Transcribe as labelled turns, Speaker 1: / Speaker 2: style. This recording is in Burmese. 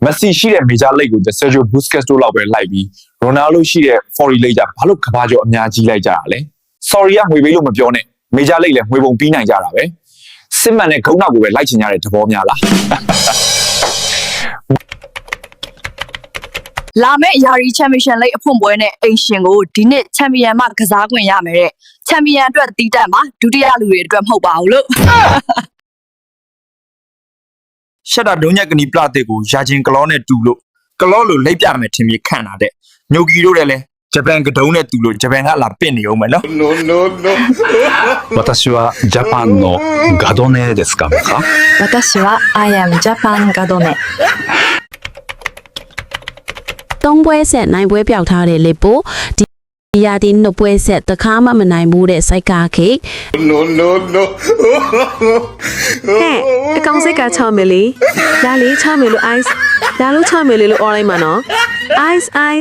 Speaker 1: Messi ရှိတဲ့ major league ကို Sergio Busquets တို့လောက်ပဲလိုက်ပြီး Ronaldo ရှိတဲ့ foreign league ကြဘာလို့ကဘာကျော်အများကြီးလိုက်ကြတာလဲ sorry ကငွေပေးလို့မပြောနဲ့ major league လည်းငွေပုံပြီးနိုင်ကြတာပဲစစ်မှန်တဲ့ဂုဏ်နောက်ကိုပဲလိုက်ချင်ကြတဲ့သဘောများလား
Speaker 2: လာမယ့်ယာရီချန်ပီယံလိအဖွင့်ပွဲနဲ့အိမ်ရှင်ကိုဒီနှစ်ချန်ပီယံမှကစားခွင့်ရမယ်တဲ့ချန်ပီယံအတွက်တီးတက်မှာဒုတိယလူတွေအတွက်မဟုတ်ပါဘူးလို့
Speaker 3: ရှက်တာဒုံညက်ကနီပလာတစ်ကိုရာချင်းကလောနဲ့တူလို့ကလောလိုလိပ်ပြမယ်ထင်ပြီးခန့်တာတဲ့ညိုကီတို့လည်းဂျပန်ကဒုံနဲ့တူလို့ဂျပန်ကလာပင့်နေအောင်မယ်နော်
Speaker 4: 私はジャパンのガドネですか
Speaker 2: 私は I am Japan ガドネ
Speaker 5: 3ပွဲဆက်နိုင်ပွဲပြောက်ထားတဲ့လေပိုဒီရာဒီနှုတ်ပွဲဆက်တခါမှမနိုင်ဘူးတဲ့စိုက်ကာခိတ်
Speaker 6: ဟဲ့အကောင်စိတ်က6မီလီဒါလေး6မီလို့ ice ဒါလို့6မီလီလို့ အော်လိုက်မှာနော် ice